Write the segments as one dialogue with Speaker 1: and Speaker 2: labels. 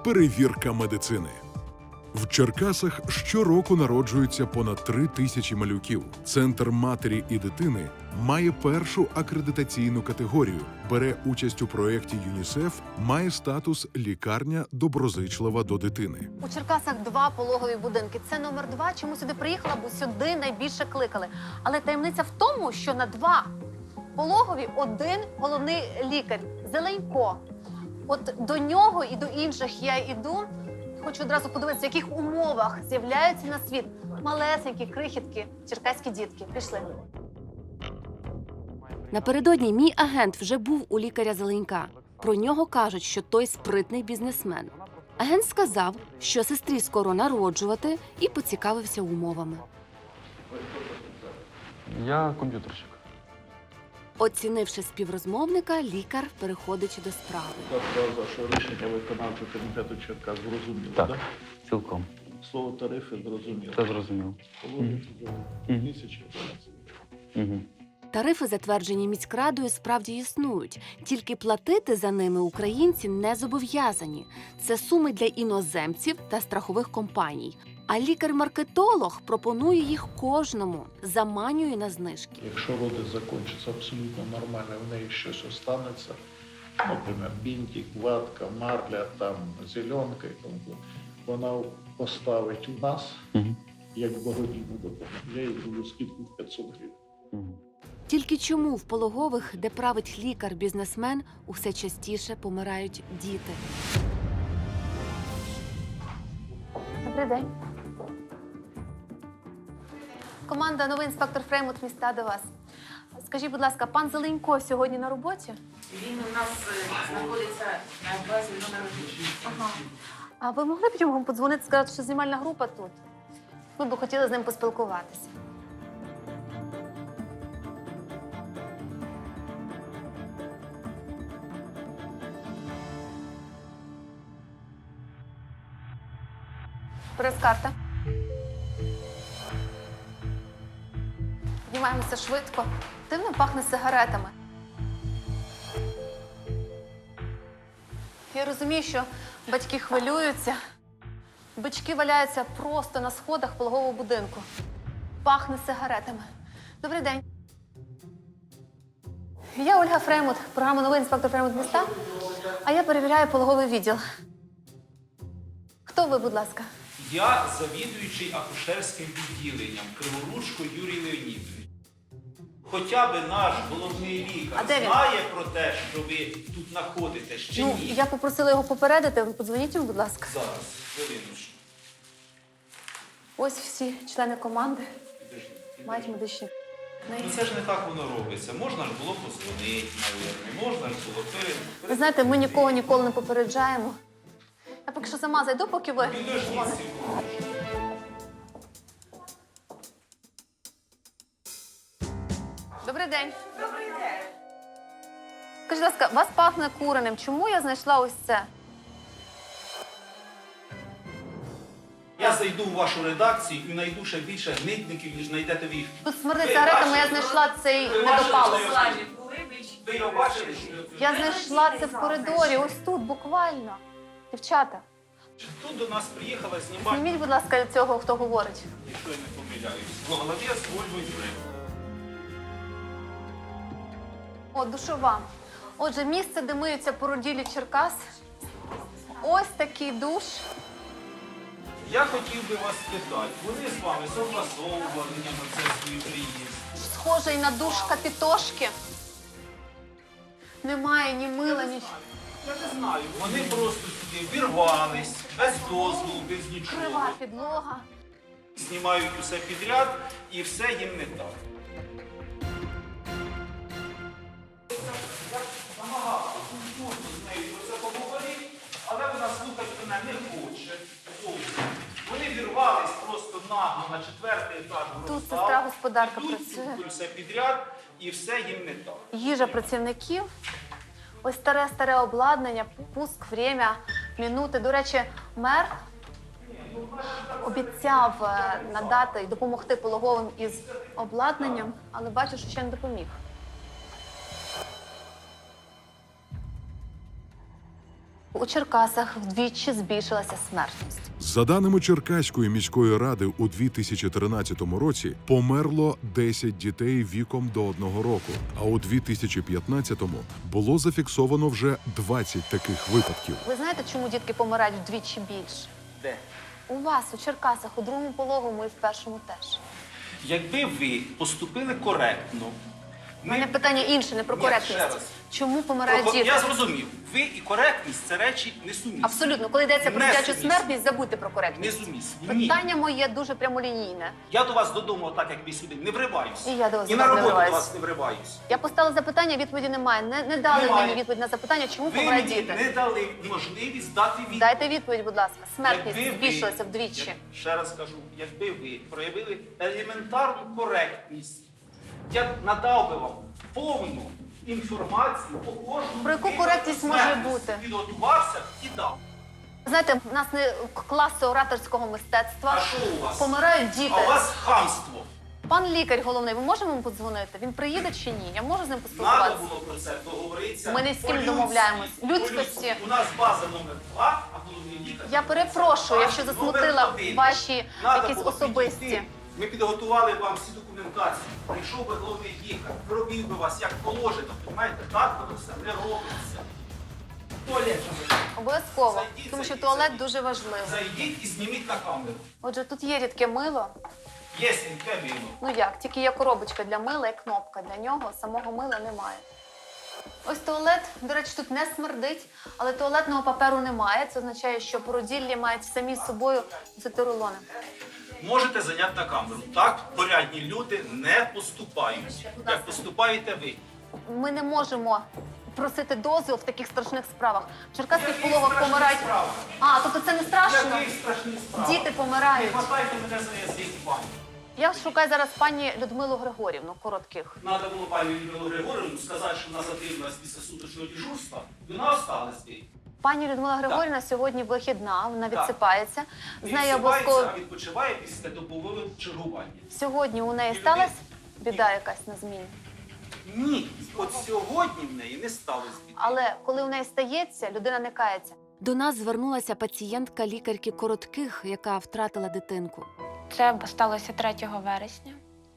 Speaker 1: Перевірка медицини. В Черкасах щороку народжується понад 3000 малюків. Центр матері і дитини має першу акредитаційну категорію, бере участь у проєкті ЮНІСЕФ, має статус «Лікарня доброзичлива до дитини».
Speaker 2: У Черкасах 2 пологові будинки. Це номер 2. Чому сюди приїхала, бо сюди найбільше кликали. Але таємниця в тому, що на 2 пологові 1 головний лікар – Зеленько. От до нього і до інших я йду. Хочу одразу подивитися, в яких умовах з'являються на світ малесенькі, крихітки, черкаські дітки. Пішли.
Speaker 3: Напередодні мій агент вже був у лікаря Зеленька. Про нього кажуть, що той спритний бізнесмен. Агент сказав, що сестрі скоро народжувати, і поцікавився умовами.
Speaker 4: Я комп'ютерщик.
Speaker 3: Оцінивши співрозмовника, лікар переходить до справи.
Speaker 5: Сказав, що рішення виконавчого комітету Черкас зрозуміло,
Speaker 4: Так,
Speaker 5: так?
Speaker 4: цілком.
Speaker 5: Слово тарифи зрозуміло.
Speaker 4: Це зрозуміло.
Speaker 5: Положиться за тисячі.
Speaker 4: Угу.
Speaker 3: Тарифи, затверджені міськрадою, справді існують. Тільки платити за ними українці не зобов'язані. Це суми для іноземців та страхових компаній. А лікар-маркетолог пропонує їх кожному, заманює на знижки.
Speaker 5: Якщо роди закінчаться абсолютно нормально, в неї щось останеться, наприклад, бінтик, ватка, марля, там, зеленка, і тому подібне, вона поставить у нас, як благодійну допомогу. Я їй зроблю скидку в 500 гривень.
Speaker 4: Угу.
Speaker 3: Тільки чому в пологових, де править лікар-бізнесмен, усе частіше помирають діти?
Speaker 2: Добрий день. Команда «Новий інспектор Фреймут» міста до вас. Скажіть, будь ласка, пан Зеленько сьогодні на роботі?
Speaker 6: Він у нас знаходиться на базі номер 1.
Speaker 2: Ага. А ви могли б йому подзвонити, сказати, що знімальна група тут? Ми б хотіли з ним поспілкуватися. Прес-карта. Піднімаємося швидко. Дивно пахне сигаретами. Я розумію, що батьки хвилюються. Бички валяються просто на сходах пологового будинку. Пахне сигаретами. Добрий день. Я Ольга Фреймут, програма «Новий інспектор Фреймут міста», а я перевіряю пологовий відділ. Хто ви, будь ласка?
Speaker 7: Я завідуючий акушерським відділенням Криворучко Юрій Леонідович. Хоча б наш головний лікар знає про те, що ви тут знаходитесь, чи ні?
Speaker 2: Я попросила його попередити. Ви подзвоніть йому, будь ласка.
Speaker 7: Зараз, хвилиночку.
Speaker 2: Ось всі члени команди мають медичні.
Speaker 7: Ну це ж не так воно робиться. Можна ж було позвонити, мабуть, можна ж було
Speaker 2: Ви знаєте, ми нікого ніколи не попереджаємо. Я поки що сама зайду, поки ви.
Speaker 7: Підождіть.
Speaker 2: Добрий день. Добрий день. Скажіть, будь ласка, вас пахне куреним. Чому я знайшла ось це?
Speaker 7: Я зайду в вашу редакцію і знайду ще більше гнитників, ніж знайдете ви їх.
Speaker 2: Тут смердить сигаретами, я знайшла цей недопалок.
Speaker 7: Ви його бачили?
Speaker 2: Я знайшла це в коридорі, ось тут, буквально. Дівчата,
Speaker 7: Тут до нас приїхала знімати,
Speaker 2: зніміть, будь ласка, цього, хто говорить.
Speaker 7: якщо я не помиляюсь, главець Ольга Юрівна.
Speaker 2: О, душова. Отже, місце, де миються породілі Черкас. Ось такий душ.
Speaker 7: Я хотів би вас спитати, вони з вами согласовували на це свій приїзд?
Speaker 2: Схожий на душ Капітошки. Немає ні мила, ні...
Speaker 7: Я не знаю, вони просто сюди вірвались, без дозволу, без нічого.
Speaker 2: Крива підлога.
Speaker 7: Знімають усе підряд і все їм не так. Я намагався культурно з нею про це поговорити, але вона слухати мене не хоче. Вони вірвались просто нагло на 4-й етаж.
Speaker 2: Тут сестра-господарка
Speaker 7: Тут
Speaker 2: працює.
Speaker 7: все підряд і все їм не так.
Speaker 2: Їжа працівників. Ось старе обладнання, пуск, время, минути. До речі, мер обіцяв надати і допомогти пологовим із обладнанням, але бачу, що ще не допоміг. У Черкасах вдвічі збільшилася смертність.
Speaker 1: За даними Черкаської міської ради, у 2013 році померло 10 дітей віком до 1 року, а у 2015-му було зафіксовано вже 20 таких випадків.
Speaker 2: Ви знаєте, чому дітки помирають вдвічі більше?
Speaker 7: Де?
Speaker 2: У вас, у Черкасах, у другому пологовому і в першому теж.
Speaker 7: Якби ви поступили коректно,
Speaker 2: У мене питання інше, не про
Speaker 7: Ні,
Speaker 2: коректність.
Speaker 7: ще раз.
Speaker 2: Чому помирають діти?
Speaker 7: Я зрозумів. Ви і коректність – це речі несумісні.
Speaker 2: Абсолютно. Коли йдеться про дитячу
Speaker 7: Несумісні.
Speaker 2: смертність, забудьте про коректність.
Speaker 7: Несумісні. Ні.
Speaker 2: Питання моє дуже прямолінійне.
Speaker 7: Я до вас додому, так як ви сюди, не вриваюсь.
Speaker 2: І я до вас
Speaker 7: І
Speaker 2: не
Speaker 7: на роботу до
Speaker 2: вриваюсь.
Speaker 7: вас не вриваюсь.
Speaker 2: Я поставила запитання, відповіді немає. Не дали
Speaker 7: Немає.
Speaker 2: мені відповідь на запитання, чому
Speaker 7: Ви
Speaker 2: помирають
Speaker 7: мені
Speaker 2: діти.
Speaker 7: не дали можливість дати відповідь.
Speaker 2: Дайте відповідь, будь ласка. Смертність
Speaker 7: Якби ви-
Speaker 2: збільшилася вдвічі.
Speaker 7: Ще раз кажу, якби ви проявили елементарну коректність, я надав би вам повну інформацію по кожному.
Speaker 2: Про яку
Speaker 7: виду
Speaker 2: коректність може
Speaker 7: смертності.
Speaker 2: бути?
Speaker 7: Підготувався і дав.
Speaker 2: Знаєте, в нас не класи ораторського мистецтва.
Speaker 7: А що у вас?
Speaker 2: Помирають діти.
Speaker 7: А у вас хамство.
Speaker 2: Пан лікар головний, ви можемо йому подзвонити? Він приїде чи ні? Я можу з ним
Speaker 7: Надо
Speaker 2: поспілкуватися?
Speaker 7: було про це договоритися.
Speaker 2: Ми не з ким
Speaker 7: по-людськи,
Speaker 2: домовляємось.
Speaker 7: по-людськи.
Speaker 2: Людськості.
Speaker 7: У нас база номер 2, а головний лікар.
Speaker 2: Я перепрошую, якщо
Speaker 7: Номер
Speaker 2: засмутила
Speaker 7: 1.
Speaker 2: ваші
Speaker 7: Надо
Speaker 2: якісь
Speaker 7: було
Speaker 2: особисті.
Speaker 7: підійти. Ми підготували вам всі документації. Прийшов би головний лікар, провів би вас як положено. Понимаєте, так воно все не робиться. Туалет.
Speaker 2: Обов'язково,
Speaker 7: Зайдіть,
Speaker 2: тому що
Speaker 7: зайдіть,
Speaker 2: туалет
Speaker 7: зайдіть.
Speaker 2: дуже важливий.
Speaker 7: Зайдіть і зніміть на камеру.
Speaker 2: Отже, тут є рідке мило.
Speaker 7: Є сіньке мило.
Speaker 2: Ну як, тільки є коробочка для мила і кнопка для нього, самого мила немає. Ось туалет, до речі, тут не смердить, але туалетного паперу немає. Це означає, що породіллі мають самі з собою носити рулони.
Speaker 7: Можете зайняти на камеру. Так порядні люди не поступають. Як поступаєте ви.
Speaker 2: Ми не можемо просити дозвіл в таких страшних справах. В черкаських
Speaker 7: Яких
Speaker 2: пологах
Speaker 7: страшних
Speaker 2: помирають.
Speaker 7: справах?
Speaker 2: А, тобто це не страшно?
Speaker 7: Яких страшних справ?
Speaker 2: Діти
Speaker 7: Не
Speaker 2: помирають.
Speaker 7: хватайте мене за язик, пані.
Speaker 2: Я шукаю зараз пані Людмилу Григорівну, коротких.
Speaker 7: Надо було пані Людмилу Григорівну сказати, що вона затрималась після суточного дежурства. Вона осталась тут.
Speaker 2: Пані Людмила Григорівна сьогодні вихідна, вона відсипається. З нею
Speaker 7: Відсипається,
Speaker 2: обов'язково
Speaker 7: а відпочиває після добового чергування.
Speaker 2: сьогодні у неї сталася біда якась на зміні.
Speaker 7: Ні, от сьогодні в неї не сталося біди.
Speaker 2: Але коли у неї стається, людина не кається.
Speaker 3: До нас звернулася пацієнтка лікарки Коротких, яка втратила дитинку.
Speaker 8: Це сталося 3 вересня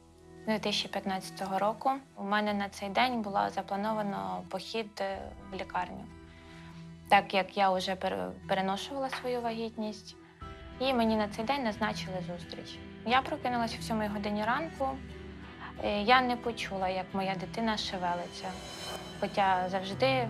Speaker 8: 2015 року. У мене на цей день було заплановано похід в лікарню, так як я вже переношувала свою вагітність, і мені на цей день назначили зустріч. Я прокинулася в 7 годині ранку. Я не почула, як моя дитина шевелиться. Хоча завжди,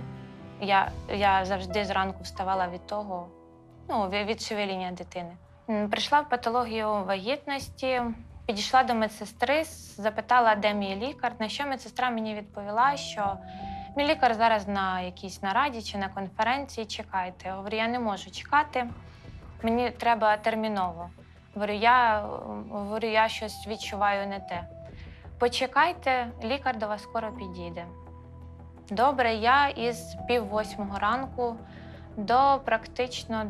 Speaker 8: я завжди зранку вставала від того, від шевеління дитини. Прийшла в патологію вагітності, підійшла до медсестри, запитала, де мій лікар, на що медсестра мені відповіла, що мій лікар зараз на якійсь нараді чи на конференції, чекайте. Я говорю, я не можу чекати, мені треба терміново. Говорю, я щось відчуваю не те. Почекайте, лікар до вас скоро підійде. Добре, я із 7:30 ранку практично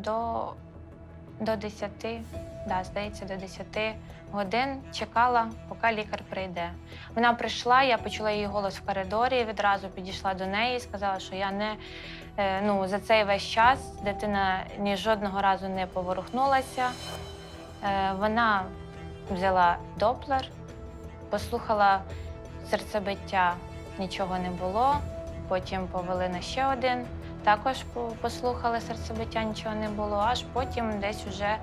Speaker 8: до 10, здається, до 10 годин чекала, поки лікар прийде. Вона прийшла, я почула її голос в коридорі, відразу підійшла до неї і сказала, що я за цей весь час дитина ні жодного разу не поворухнулася. Вона взяла доплер, послухала серцебиття, нічого не було, потім повели на ще один. Також послухали серцебиття, нічого не було, аж потім десь вже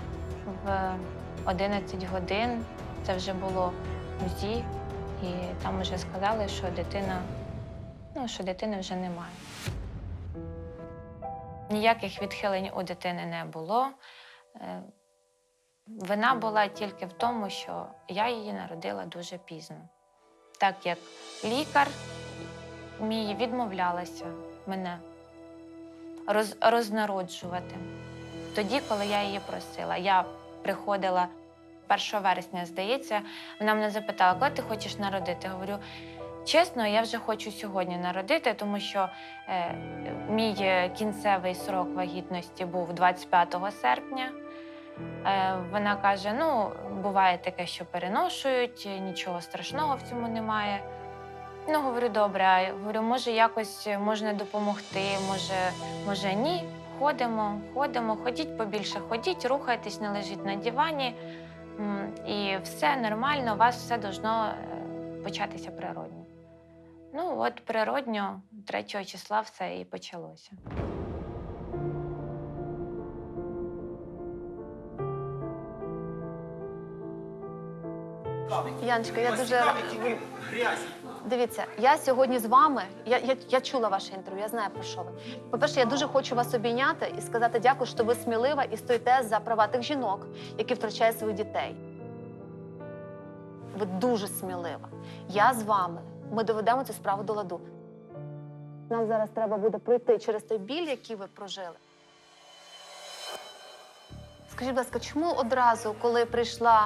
Speaker 8: в 11 годин, це вже було УЗІ, і там вже сказали, що дитини вже немає. Ніяких відхилень у дитини не було. Вина була тільки в тому, що я її народила дуже пізно. Так як лікар мій відмовлялася мене рознароджувати. Тоді, коли я її просила. Я приходила 1 вересня, здається, вона мене запитала, коли ти хочеш народити? Я говорю, чесно, я вже хочу сьогодні народити, тому що мій кінцевий срок вагітності був 25 серпня. Вона каже, буває таке, що переношують, нічого страшного в цьому немає. Говорю, добре, говорю, може якось можна допомогти, може ні. ходимо, ходіть побільше, ходіть, рухайтесь, не лежіть на дивані. І все нормально, у вас все должно початися природньо. Ну от природньо 3 числа все і почалося.
Speaker 2: Яночка, я дуже дивіться, я сьогодні з вами. Я чула ваше інтерв'ю, я знаю, про що ви. По-перше, я дуже хочу вас обійняти і сказати дякую, що ви смілива і стоїте за права тих жінок, які втрачають своїх дітей. Ви дуже смілива. Я з вами. Ми доведемо цю справу до ладу. Нам зараз треба буде пройти через той біль, який ви прожили. Скажіть, будь ласка, чому одразу, коли прийшла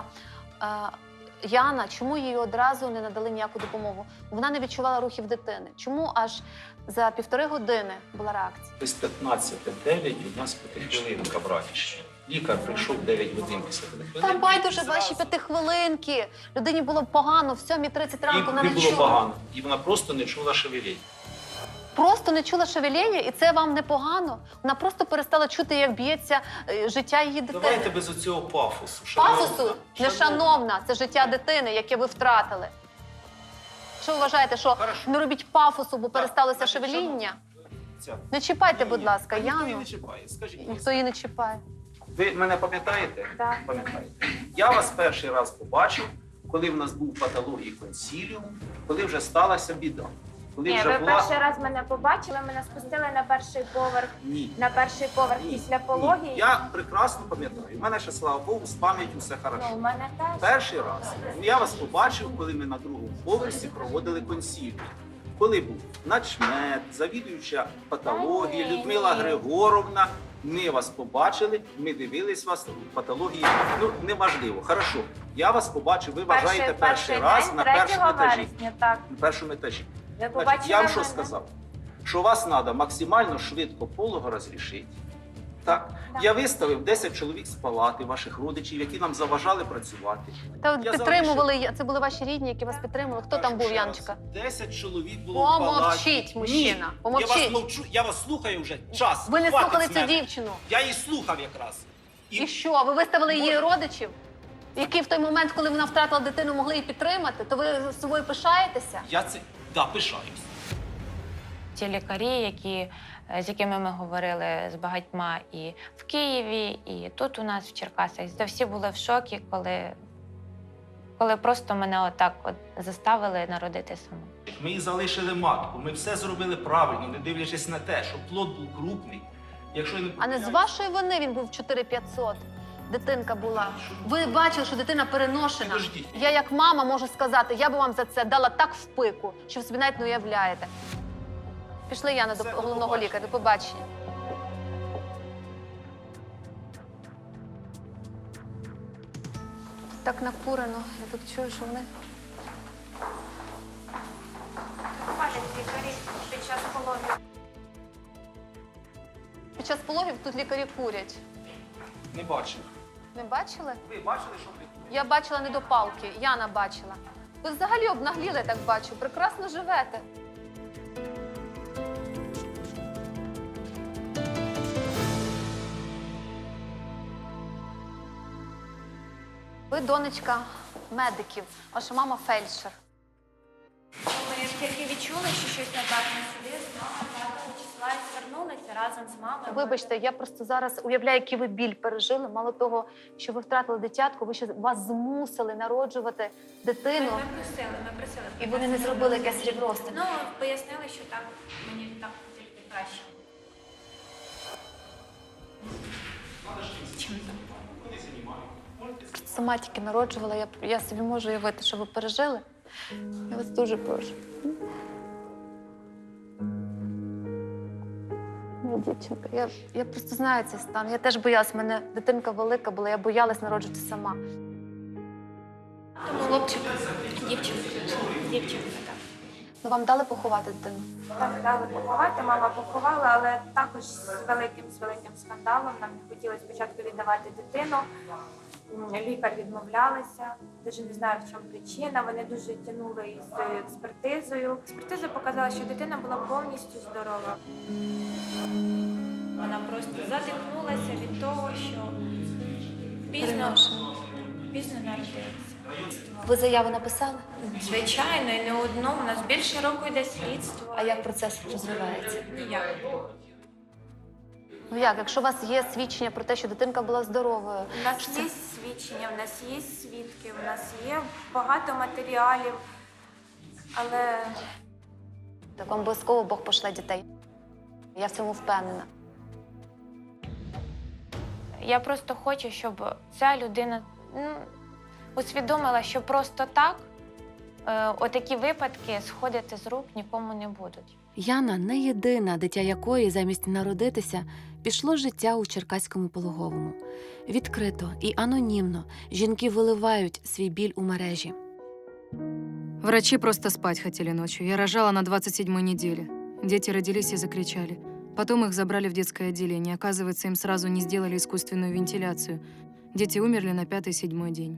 Speaker 2: Яна, чому їй одразу не надали ніяку допомогу? Вона не відчувала рухів дитини. Чому аж за 1,5 години була реакція?
Speaker 7: Без 15:09 у нас 5-хвилинка братіще. Лікар прийшов 9 годин після 5 хвилин.
Speaker 2: Та байдуже ваші 5 хвилинки. Людині було погано, в 7:30 ранку вона
Speaker 7: Їй
Speaker 2: не
Speaker 7: було
Speaker 2: чула.
Speaker 7: погано, і вона просто не чула шевелінь.
Speaker 2: Просто не чула шевеління, і це вам не погано? Вона просто перестала чути, як б'ється життя її дитини.
Speaker 7: Давайте без оцього пафосу.
Speaker 2: Пафосу? Нешановна, це життя дитини, яке ви втратили. Що ви вважаєте, що
Speaker 7: Хорошо.
Speaker 2: не робіть пафосу, бо пересталося
Speaker 7: значить,
Speaker 2: шевеління?
Speaker 7: Ця.
Speaker 2: Не чіпайте,
Speaker 7: Ні,
Speaker 2: будь
Speaker 7: ні.
Speaker 2: ласка,
Speaker 7: Ніхто її
Speaker 2: Яну.
Speaker 7: не чіпає. Скажіть,
Speaker 2: Ніхто її не чіпає.
Speaker 7: ви мене пам'ятаєте?
Speaker 8: Так.
Speaker 7: Пам'ятаєте. Я вас перший раз побачив, коли в нас був патологій консіліум, коли вже сталася біда. Коли
Speaker 8: Ні,
Speaker 7: вже
Speaker 8: ви
Speaker 7: була...
Speaker 8: перший раз мене побачили, мене спустили на перший поверх.
Speaker 7: Ні.
Speaker 8: На перший поверх
Speaker 7: Ні.
Speaker 8: після
Speaker 7: Ні.
Speaker 8: пології.
Speaker 7: Я прекрасно пам'ятаю. У мене ще, слава Богу, з пам'яттю все хорошо.
Speaker 8: Ну, у мене теж.
Speaker 7: Перший раз я вас побачив, коли ми на 2-му поверсі проводили консіліум. Коли був начмет, завідуюча патології,
Speaker 8: Та ні,
Speaker 7: Людмила
Speaker 8: ні.
Speaker 7: Григоровна, ми вас побачили, ми дивились вас, патології, ну, неважливо. Хорошо, я вас побачив, ви вважаєте перший раз
Speaker 8: день,
Speaker 7: на
Speaker 8: 3
Speaker 7: першому етажі.
Speaker 8: вересня, так.
Speaker 7: На першому етажі.
Speaker 8: Ви
Speaker 7: Значить,
Speaker 8: побачили
Speaker 7: я вам що
Speaker 8: мене?
Speaker 7: сказав? Що вас треба максимально швидко полого розрішити. Так?
Speaker 8: Так.
Speaker 7: Я виставив 10 чоловік з палати, ваших родичів, які нам заважали працювати.
Speaker 2: Та от
Speaker 7: Я
Speaker 2: підтримували, це були ваші рідні, які вас підтримували. Хто там був,
Speaker 7: Ще раз.
Speaker 2: Яночка?
Speaker 7: 10 чоловік було в палаті.
Speaker 2: Помовчіть, мужчина,
Speaker 7: Ні,
Speaker 2: помовчіть.
Speaker 7: Я вас мовчу, я вас слухаю вже час.
Speaker 2: Ви не
Speaker 7: хватить
Speaker 2: слухали
Speaker 7: з
Speaker 2: цю
Speaker 7: мене.
Speaker 2: дівчину.
Speaker 7: Я її слухав якраз.
Speaker 2: І що? Ви виставили її
Speaker 7: Може.
Speaker 2: родичів, які в той момент, коли вона втратила дитину, могли її підтримати? То ви з собою пишаєтеся?
Speaker 7: Я це, да, пишаюсь.
Speaker 8: Ті лікарі, з якими ми говорили з багатьма і в Києві, і тут у нас в Черкасах, всі були в шокі, коли просто мене отак заставили народити саму.
Speaker 7: Ми їй залишили матку, ми все зробили правильно, не дивлячись на те, що плод був крупний. Якщо я
Speaker 2: А не з вашої вини він був 4500. Дитинка була. Ви бачили, що дитина переношена.
Speaker 7: Підождіть.
Speaker 2: Я як мама можу сказати, я би вам за це дала так в пику, що ви собі навіть не уявляєте. Пішли, Яна, до
Speaker 7: Все, до
Speaker 2: головного
Speaker 7: побачення.
Speaker 2: лікаря. До побачення. Так накурено. Я тут чую, що вони...
Speaker 8: Бачать лікарі під час пологів.
Speaker 2: Під час пологів тут лікарі курять.
Speaker 7: не бачив.
Speaker 2: Не бачили?
Speaker 7: Ви бачили, що ви?
Speaker 2: Я бачила не до палки, Яна бачила. Ви взагалі обнагліли, я так бачу. Прекрасно живете. Ви донечка медиків, ваша мама фельдшер.
Speaker 8: Ми тільки відчули, що щось не так на собі, з мамою 5 числа і звернулися разом з мамою.
Speaker 2: Вибачте, я просто зараз уявляю, який ви біль пережили. Мало того, що ви втратили дитятку, ви ще вас змусили народжувати дитину.
Speaker 8: Ми просили.
Speaker 2: І вони не зробили якесь рівносте.
Speaker 8: Ну, пояснили, що так, мені так тільки краще. Чим так?
Speaker 2: Сама тільки народжувала, я собі можу уявити, що ви пережили. Я вас дуже прошу. Моя дівчинка, я просто знаю цей стан. Я теж боялась, в мене дитинка велика була, я боялась народжувати сама.
Speaker 8: Хлопчик, дівчинка, так.
Speaker 2: Ну, вам дали поховати дитину?
Speaker 8: Так, дали поховати, мама поховала, але також з великим скандалом. Нам не хотіли спочатку віддавати дитину. Лікар відмовлялася, дуже не знаю, в чому причина. Вони дуже тягнули із експертизою. Експертиза показала, що дитина була повністю здорова. Вона просто задихнулася від того, що пізно народилася.
Speaker 2: Ви заяву написали?
Speaker 8: Звичайно, і не одну. У нас більше року йде слідство.
Speaker 2: А як процес розвивається?
Speaker 8: Ніяк.
Speaker 2: Ну як, якщо у вас є свідчення про те, що дитинка була здоровою?
Speaker 8: У нас є свідчення, у нас є свідки, у нас є багато матеріалів, але
Speaker 2: Так вам обов'язково Бог пошле дітей. Я в цьому впевнена.
Speaker 8: я просто хочу, щоб ця людина усвідомила, що просто так отакі випадки сходити з рук нікому не будуть.
Speaker 3: Яна не єдина, дитя якої замість народитися пішло з життя у Черкаському пологовому. Відкрито і анонімно жінки виливають свій біль у мережі.
Speaker 9: Врачи просто спать хотели ночью. Я рожала на 27-й неделе. Дети родились и закричали. Потом их забрали в детское отделение. Оказывается, им сразу не сделали искусственную вентиляцию. Дети умерли на 5-7 день.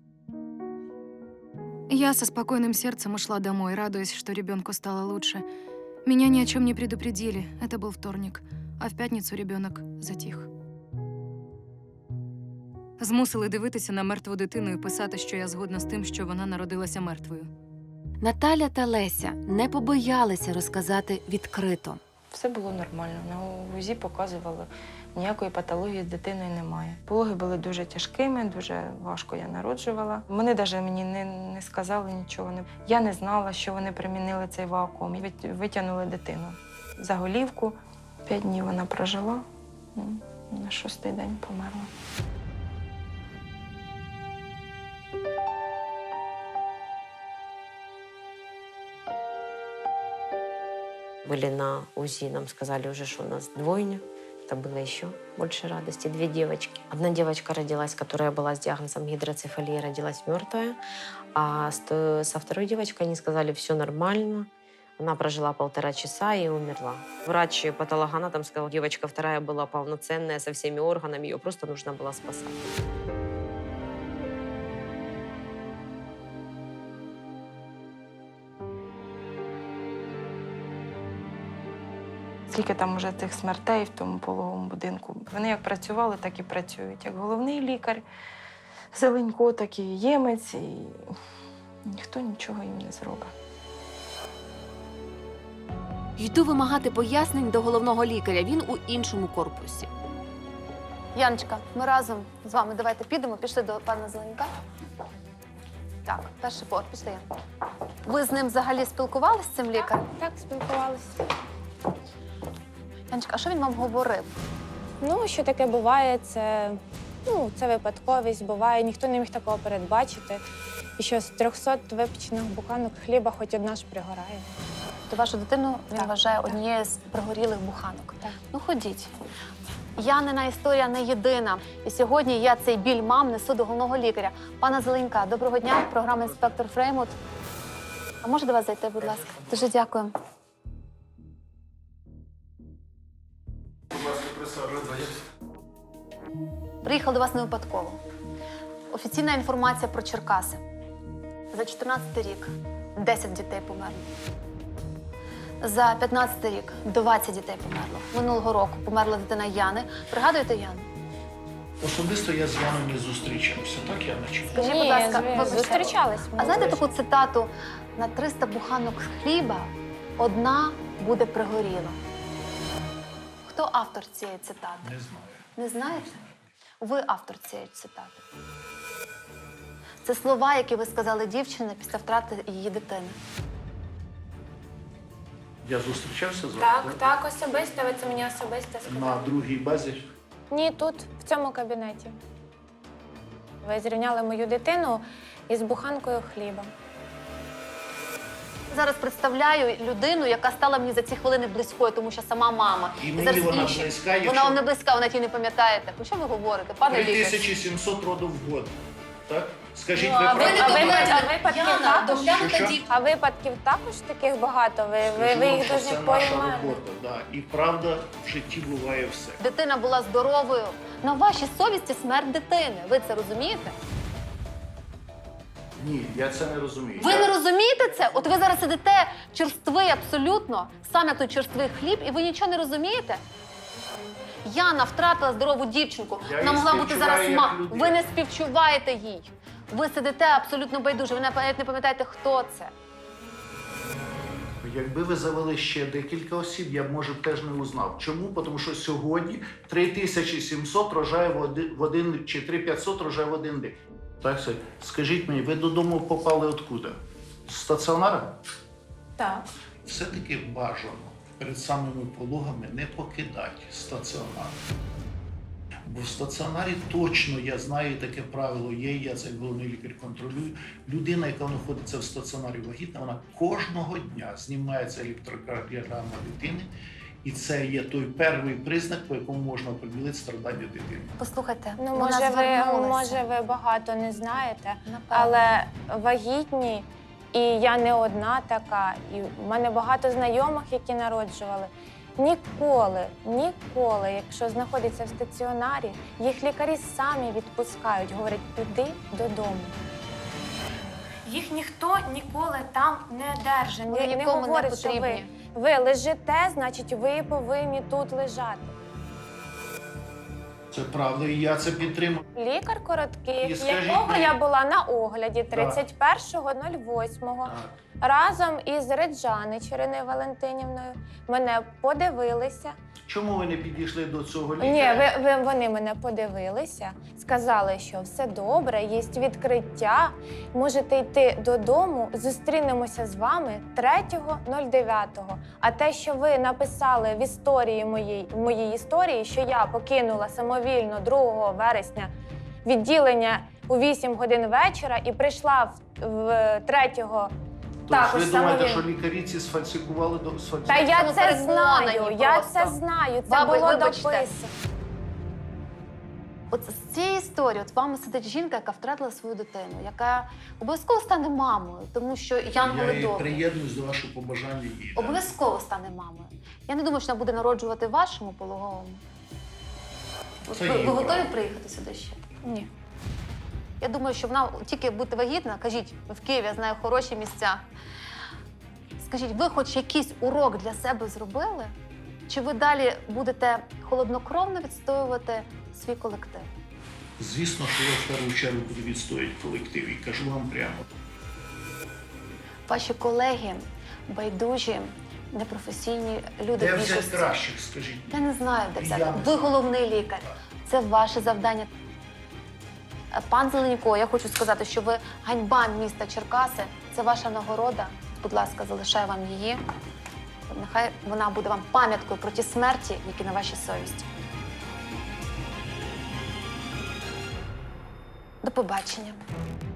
Speaker 9: Я со спокойным сердцем ушла домой, радуясь, что ребенку стало лучше. Меня ни о чем не предупредили. Это был вторник. А в пятницу ребенок затих. Змусили дивитися на мертву дитину і писати, що я згодна з тим, що вона народилася мертвою.
Speaker 3: Наталя та Леся не побоялися розказати відкрито.
Speaker 10: Все було нормально. На УЗІ показували, ніякої патології з дитиною немає. Пологи були дуже тяжкими, дуже важко я народжувала. Вони навіть мені не сказали нічого. Я не знала, що вони примінили цей вакуум. І витягнули дитину за голівку. 5 днів вона прожила, на 6-й день померла.
Speaker 11: Были на УЗИ, нам сказали уже, что у нас двойня. Это было еще больше радости. 2 девочки. Одна девочка родилась, которая была с диагнозом гидроцефалия, родилась мертвая. А со второй девочкой они сказали, все нормально. Она прожила 1,5 часа и умерла. Врач-патологоанатом сказал, девочка вторая была полноценная, со всеми органами, ее просто нужно было спасать.
Speaker 10: Скільки там уже тих смертей в тому пологовому будинку. Вони як працювали, так і працюють. Як головний лікар, Зеленько, так і Ємець. І ніхто нічого їм не зробить.
Speaker 3: Йду вимагати пояснень до головного лікаря. Він у іншому корпусі.
Speaker 2: Яночка, ми разом з вами давайте підемо, пішли до пана Зеленька. Так, перший поверх, пішли. Ян. Ви з ним взагалі спілкувалися, з цим лікарем?
Speaker 8: Так, спілкувалися.
Speaker 2: Яночка, а що він вам говорив?
Speaker 8: Ну, що таке буває, це випадковість, буває, ніхто не міг такого передбачити. І що з 300 випечених буханок хліба хоч одна ж пригорає.
Speaker 2: То вашу дитину він
Speaker 8: Так,
Speaker 2: вважає
Speaker 8: так.
Speaker 2: однією з пригорілих буханок.
Speaker 8: Так.
Speaker 2: Ну, ходіть. Янина історія не єдина. І сьогодні я цей біль мам несу до головного лікаря. Пана Зеленька, доброго дня, програма «Інспектор Фреймут». А може до вас зайти, будь ласка? Дуже дякую. Приїхав до вас не випадково. Офіційна інформація про Черкаси. За 14 рік 10 дітей померло. За 15 рік 20 дітей померло. Минулого року померла дитина Яни. Пригадуєте Яну?
Speaker 5: Особисто я з Яною не зустрічався, так, Яночка?
Speaker 2: Скажіть, будь ласка, вибачте,
Speaker 8: зустрічались.
Speaker 2: а знаєте таку цитату? На 300 буханок хліба одна буде пригоріла. Хто автор цієї цитати?
Speaker 5: Не знаю.
Speaker 2: Не знаєте? Ви автор цієї цитати. Це слова, які ви сказали дівчині після втрати її дитини.
Speaker 5: Я зустрічався з вами?
Speaker 8: Так, особисто, ви це мені особисто сказали.
Speaker 5: На другій базі.
Speaker 8: Ні, тут, в цьому кабінеті. Ви зрівняли мою дитину із буханкою хліба.
Speaker 2: Зараз представляю людину, яка стала мені за ці хвилини близькою, тому що сама мама.
Speaker 5: І мені
Speaker 2: зараз
Speaker 5: вона
Speaker 2: інші.
Speaker 5: близька,
Speaker 2: Вона
Speaker 5: якщо-
Speaker 2: вам не близька, вона ті не пам'ятаєте. Про що ви говорите, пане лікар?
Speaker 5: 3700 родів в год. Так? Скажіть,
Speaker 8: Ну,
Speaker 5: ви
Speaker 8: а
Speaker 5: правда?
Speaker 8: А випадків також таких багато? Ви їх
Speaker 5: Це
Speaker 8: дуже
Speaker 5: наша
Speaker 8: поймаєте.
Speaker 5: робота, да. І правда, в житті буває все.
Speaker 2: Дитина була здоровою. На вашій совісті смерть дитини. Ви це розумієте?
Speaker 5: Ні, я це не розумію.
Speaker 2: Ви не розумієте це? От ви зараз сидите черствий абсолютно, сам як той черствий хліб, і ви нічого не розумієте? Яна втратила здорову дівчинку.
Speaker 5: Я
Speaker 2: Вона
Speaker 5: їй
Speaker 2: могла бути зараз
Speaker 5: співчуваю як людина.
Speaker 2: Ви не співчуваєте їй. Ви сидите абсолютно байдуже. Ви навіть не пам'ятаєте, хто це.
Speaker 5: Якби ви завели ще декілька осіб, я б, може, теж не узнав. Чому? Тому що сьогодні 3700 рожає в один, чи 3500 рожає в один день. Так, скажіть мені, ви додому попали откуда? З стаціонара?
Speaker 10: Так.
Speaker 5: Все-таки бажано перед самими пологами не покидати стаціонар. Бо в стаціонарі точно, я знаю таке правило є, я це як головний лікар контролюю. Людина, яка знаходиться в стаціонарі вагітна, вона кожного дня знімається електрокардіограма дитини, і це є той перший признак, по якому можна оприділити страдання дитини.
Speaker 2: Послухайте,
Speaker 8: Ну,
Speaker 2: вона
Speaker 8: може
Speaker 2: звернулася.
Speaker 8: ви багато не знаєте,
Speaker 2: Напевно.
Speaker 8: але вагітні, і я не одна така, і в мене багато знайомих, які народжували. Ніколи, якщо знаходяться в стаціонарі, їх лікарі самі відпускають, говорять, піди додому. Їх ніхто ніколи там не держить.
Speaker 2: Вони
Speaker 8: Не
Speaker 2: нікому не
Speaker 8: говорить, що
Speaker 2: потрібні.
Speaker 8: ви лежите, значить ви повинні тут лежати.
Speaker 5: Це правда, і я це підтримую.
Speaker 8: Лікар
Speaker 5: І
Speaker 8: короткий,
Speaker 5: скажіть
Speaker 8: якого
Speaker 5: мені-
Speaker 8: я була на огляді 31.08, разом із Реджанич Іриною Валентинівною, мене подивилися.
Speaker 5: Чому ви не підійшли до цього
Speaker 8: Ні,
Speaker 5: лікаря?
Speaker 8: вони мене подивилися, сказали, що все добре, є відкриття, можете йти додому, зустрінемося з вами 3.09. А те, що ви написали в історії в моїй історії, що я покинула самовільно 2 вересня відділення у 8 годин вечора і прийшла в 3-го
Speaker 5: Тож
Speaker 8: також
Speaker 5: ви думаєте,
Speaker 8: самовільно.
Speaker 5: що лікарі ці сфальсифікували до
Speaker 8: Та я
Speaker 2: Ну,
Speaker 8: це
Speaker 2: переконані
Speaker 8: знаю, я
Speaker 2: просто.
Speaker 8: це знаю, це
Speaker 2: Баби,
Speaker 8: було
Speaker 2: вибачте.
Speaker 8: дописано.
Speaker 2: От з цієї історії от вами сидить жінка, яка втратила свою дитину, яка обов'язково стане мамою, тому що
Speaker 5: Я
Speaker 2: янголи
Speaker 5: і
Speaker 2: добрі.
Speaker 5: приєднуюсь до вашого побажання їй. да.
Speaker 2: Обов'язково стане мамою. Я не думаю, що вона буде народжувати в вашому пологовому. От
Speaker 5: Це
Speaker 2: ви
Speaker 5: її
Speaker 2: готові
Speaker 5: право.
Speaker 2: приїхати сюди ще?
Speaker 8: Ні.
Speaker 2: Я думаю, що вона тільки бути вагітна, кажіть, в Києві я знаю хороші місця. Скажіть, ви хоч якийсь урок для себе зробили? Чи ви далі будете холоднокровно відстоювати свій колектив?
Speaker 5: Звісно, що я в першу чергу буду відстоювати колектив і кажу вам прямо.
Speaker 2: Ваші колеги, байдужі, непрофесійні люди
Speaker 5: Де
Speaker 2: в
Speaker 5: взяти
Speaker 2: більшості.
Speaker 5: кращих, скажіть?
Speaker 2: Я не знаю, де
Speaker 5: Я
Speaker 2: взяти.
Speaker 5: не
Speaker 2: Ви
Speaker 5: знаю.
Speaker 2: головний лікар. Це ваше завдання. Пан Зеленько, я хочу сказати, що ви ганьба міста Черкаси. Це ваша нагорода. Будь ласка, залишаю вам її. Нехай вона буде вам пам'яткою про ті смерті, які на вашій совісті. До побачення.